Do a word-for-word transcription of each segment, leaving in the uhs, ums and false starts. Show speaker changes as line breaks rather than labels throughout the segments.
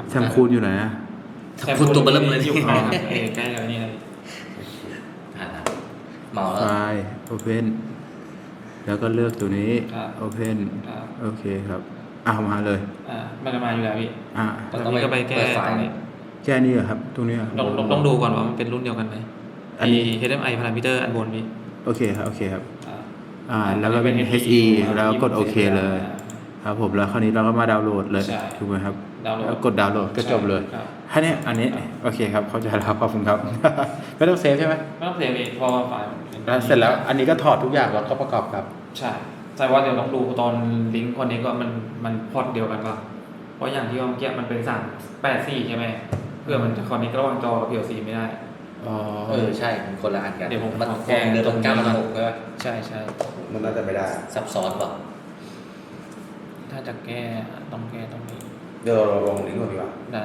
แซมคูนอยู่ไหนอะ
แซมคูนตัวเบลเริ่มเลย
อยู่ข้างเออใกล้กับนี่เลย
อ่าเมาแล้ว
ไฟล์ Open แล้วก็เลือกตัวนี้ Open โอเคครับอ่ะมาเลย
อ่ามันจะมาอยู่แล้วพี่
อ่ะ
ตอนนี้ก็ไปแก้ตรงนี้
แค่นี้เหรอครับตรงนี้เหรอ
ต้องต้องดูก่อนว่ามันเป็นรุ่นเดียวกันไหม
อันนี้
เอช เอ็ม ไอ parameter อันบนพี่
โอเคครับโอเคครับ
อ่า
อ่าแล้วก็เป็น เอช อี แล้วกดโอเคเลยครับผมแล้วคราวนี้เราก็มาดาวน์โหลดเลย
ใช่
ถูกไหมครับ
ดาวน์โหลด
แล้วกดดาวน์โหลดก็จบเลย
ครับ
แค่นี้อันนี้โอเคครับเข้าใจแล้วขอบคุณครับ ไม่ต้องเซฟใช่ไหม
ไม่ต้องเสียพี่เพราะว่าไฟล์มันป็น
แล้วเสร็จแล้วอันนี้ก็ถอดทุกอย่างแล้วก็ประกอบกับ
ใช่ใช่ว่าเดี๋ยวต้องดูตอนลิงก์คนนี้ก็มันมันพอร์ตเดียวกันป่ะเพราะอย่างที่ว่าเมื่อกี้มันเป็นสามแปดสี่ใช่ไหมเพื่อมันจะคอนเนคระหว่างจอกับ พี แอล ซี ไม่ได้
อ๋อ
เออใช่มันคนละอันกัน
เดี๋ยวผม
มัน
ขอ
แก้
แก้
เดินตรงเก้าพันหกใช่ไหม
ใช่ใช่
มันน่าจะไม่ได้
ซับซ้อนเปล่า
ถ้าจะแก้ต้องแก้ตรงนี้
เดี๋ยวเราลองลิงก์ก่อนดีกว่า
ได้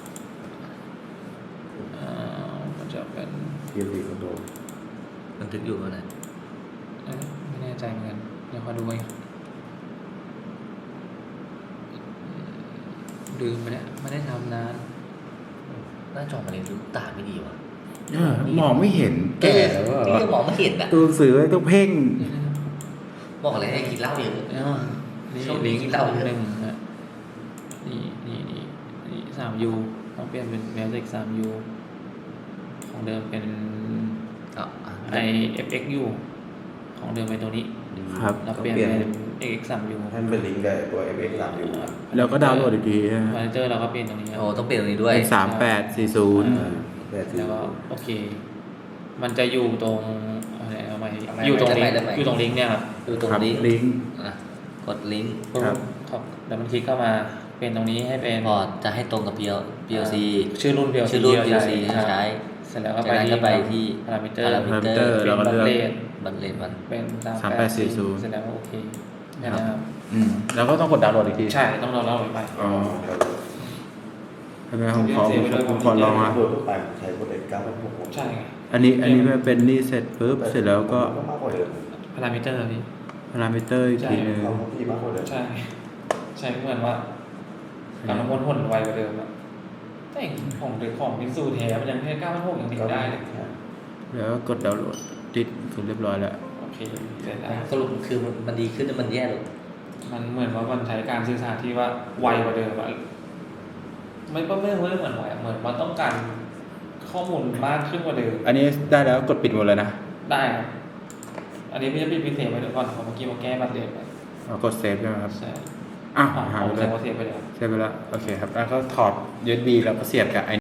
อ่ามันจะเป็น
พี เอล ซี Control
มันถึงอยู่ว่าไหน
เอ้ยไม่แน่ใจเหมือนกันเดี๋ยวขอดูไว้ลืมไปแล้วไม่ได้ทำนาน
หน้าจอมันเลยดูตาไม่ดีว่ะ
เออมองไม่เห็นแก่แล้ว
ที่ก็มองไม่เห็นอ่ะ
ตัวหนังสือต้องเพ่ง
บอกอะไรให้กินเหล้าเยอะ
อ่านี่
ช่วงนี้
ลิงก์
กินเหล้าเยอะ
หนึ่งนะนี่นี่นี่นี่สามยูต้องเปลี่ยนเป็นแมวเซ็กสามยูของเดิมเป็น
อ่ะอ่ะ
ไอเอฟเอ็กยูของเดิมเป็นตัวนี้
ครับ
เราเปลี่ยนเป็นเอ็กสามยู
ให้มันเป็นลิงก์กับตัว เอฟ เอ็กซ์ สาม อยู่
แล้วก็ดาวน์โหลดอีกทีฮะ
มอนิเตอร์เราก็เปลี่ยนตรงนี้ครับ
โอ้ต้องเปลี่ยนตรงนี้ด้วย
เป็นสามแปดสี่ศูนย์
แต่ที่
แล้วก็โอเค มันจะอยู่ตรงอะไรเอาไหมอยู่ตรงลิงก์อยู่ตรงลิงก์เนี่ยครับ
ดูตรง
ครับ
นี้
ลิงก์
อ่ะกดลิงก์
ครับ
ครับแล้วมันคลิกเข้ามาเป็นตรงนี้ให้เป็น
พอจะให้ตรงกับ พี แอล พี แอล ซี
ชื่อรุ่น พี แอล ซี
ชื่อรุ่น
ที่
พี
เรา
แอล ซี
ครับ
ใช้
เสร็จแล้วก็
จาก
ไป
นั้น
ที่
ก็ไปที่
พารามิเตอร์
parameter
เป็น
แล้วก็
บัต
เลือก
เลท
บันเลนมัน
เป็น
สามแปดสี่ศูนย์
เสร็จแล้วก็โอเคแค่นั้นครับ
อืมแล้วก็ต้องกดดาวน์โหลดอีกที
ใช่ต้องรอเล่าไป
อ๋อทำไมผมขอผมขอลองอ่ะ
โดยทั่วไปใช้โปรเจกต์เก้าพันหก
ใช่ไง
อันนี้อันนี้มันเป็นนี่เสร็จปุ๊บเสร็จแล้วก็
มากกว่าเดิม
พารามิเตอร์พี่
พารามิเตอร์อีกทีนึง
เขาที่มากกว่าเดิม
ใช่ ใช่เหมือนว่าการน้ำมันพ่นไวกว่าเดิมอะแต่ของเด็กของมินซูแท้มันยังแค่เก้าพันหกยังติดได้เลย
แล้วก็กดดาวน์โหลดติดคือเรียบร้อยแล้ว
โอเคเสร็จแล้ว
สรุปคือมันมันดีขึ้นหรือมันแย่ลง
มันเหมือนว่ามันใช้การสื่อสารที่ว่าไวกว่าเดิมอะไม่ก็ไม่ไม่เหมือนไวอะเหมือนมันต้องการข้อมูลมากขึ้นกว่าเดิม
อันนี้ได้แล้วกดปิดหมดเลยนะ
ได้ครับอันนี้ไม่ใช่ปิดพิเศษไปเดี๋ยวก่อนผมเมื่อกี้มาแก้บัตรเดทไป
เอากดเซฟใช่ไหมครับ
ใช่
อ้าว
อ่า
หาย
ผ
ไป
ม
เล
ใช้
ย
ว่าเซฟไปแล้ว
เซฟไปแล้วโอเคครับแล้วก็ถอด ยู เอส บี แล้วก็เสียบกับไอ